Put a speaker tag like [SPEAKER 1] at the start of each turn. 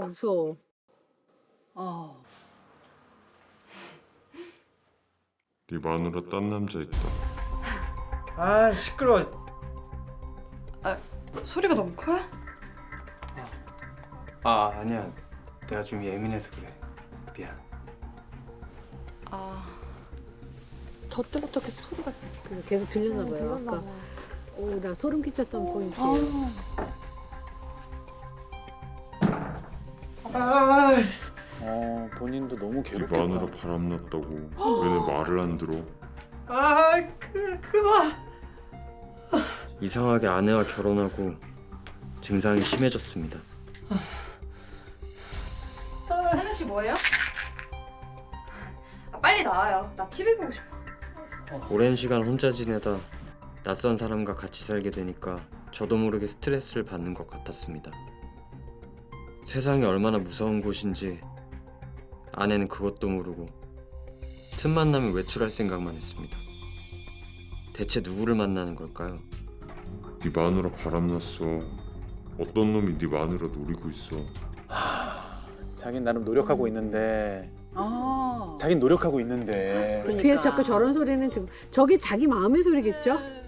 [SPEAKER 1] 무서워.
[SPEAKER 2] 네 마누라 딴 남자 있다.
[SPEAKER 3] 아 시끄러워.
[SPEAKER 4] 소리가 너무 커요?
[SPEAKER 3] 아 아니야. 내가 좀 예민해서 그래. 미안.
[SPEAKER 4] 아,
[SPEAKER 5] 저 때부터 계속 소리가
[SPEAKER 1] 계속 들렸나 봐요.
[SPEAKER 5] 들렸나
[SPEAKER 1] 아까.
[SPEAKER 5] 봐.
[SPEAKER 1] 오, 나 소름 끼쳤던 포인트.
[SPEAKER 6] 본인도 너무
[SPEAKER 2] 네
[SPEAKER 6] 괴롭겠다.
[SPEAKER 2] 마누라 바람났다고 왜 내 말을 안 들어?
[SPEAKER 3] 그만.
[SPEAKER 7] 이상하게 아내와 결혼하고 증상이 심해졌습니다.
[SPEAKER 4] 하는 씨 뭐예요? 빨리 나와요. 나 TV 보고 싶어.
[SPEAKER 7] 오랜 시간 혼자 지내다 낯선 사람과 같이 살게 되니까 저도 모르게 스트레스를 받는 것 같았습니다. 세상이 얼마나 무서운 곳인지 아내는 그것도 모르고 틈만 나면 외출할 생각만 했습니다. 대체 누구를 만나는 걸까요?
[SPEAKER 2] 네 마누라 바람났어. 어떤 놈이 네 마누라 노리고 있어.
[SPEAKER 6] 자긴 나름 노력하고 있는데. 자긴 노력하고 있는데.
[SPEAKER 1] 귀에 자꾸 저런 소리는 듣고 저게 자기 마음의 소리겠죠?